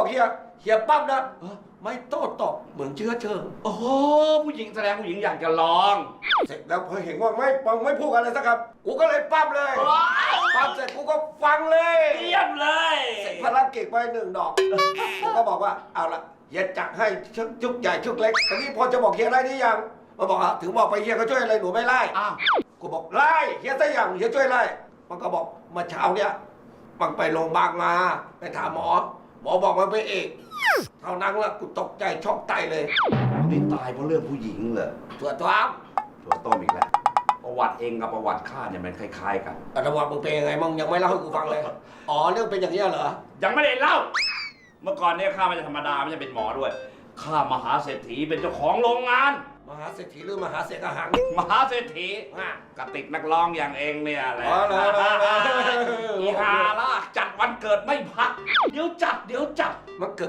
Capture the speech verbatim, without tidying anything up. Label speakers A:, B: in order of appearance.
A: บอกเฮียเฮียปั๊บนะเออไม่โต้ตอบเหมือนเชื้อเชิง
B: โอ้โหผู้หญิงแสดงผู้หญิงอยากจะลอง
A: เสร็จแล้วพอเห็นว่าไม่ฟังไม่พูดอะไรสักคำกูก็เลยปั๊บเลยปั๊บเสร็จกูก็ฟังเลย
B: เยี่ยมเลย
A: เสร็จภารกิจไปหนึ่งดอกกูก็บอกว่าเอาละเฮียจัดให้ชุกใหญ่ชุกเล็กตอนนี้พอจะบอกเฮียได้หรือยังมาบอกอ่ะถึงบอกไปเฮียก็ช่วยอะไรหนูไม่ไล่
B: อ้าว
A: กูบอกไล่เฮียซะอย่างเฮียช่วยไล่มันก็บอกเมื่อเช้าเนี่ยมันไปโรงพยาบาลมาไปถามหมอ หมอบอกมันเป็นเอกเท่านั้นละกูตกใจช็อกไตเลย
B: นี่ตายเพราะเรื่องผู้หญิงเหรอ
A: ตัวตัวอ้าม
B: ตัวต้มอีกแล้วประวัติเองกับประวัติข้าเนี่ยมันคล้ายๆกัน
A: แต่ระหว่างมึงเป็นยังไงมึงยังไม่เล่าให้กูฟังเลยอ๋อเรื่องเป็นอย่างนี้เหรอ
B: ยังไม่ได้เล่า เมื่อก่อนเนี่ยข้าไม่ใช่ธรรมดาไม่ใช่เป็นหมอด้วยข้ามหาเศรษฐีเป็นเจ้าของโรงงาน
A: มหาเศรษฐีหรือมหาเศรษฐหัง
B: มหาเศรษฐี
A: อ่ะ
B: กติกนักร้องอย่างเองเนี่ยแหละ
A: อ๋อเหรอเหรอเหรอ
B: อีฮาล่ะจัดวันเกิดไม่พัก เดี๋ยวจัดเดี๋ยวจัด
A: มันเกิด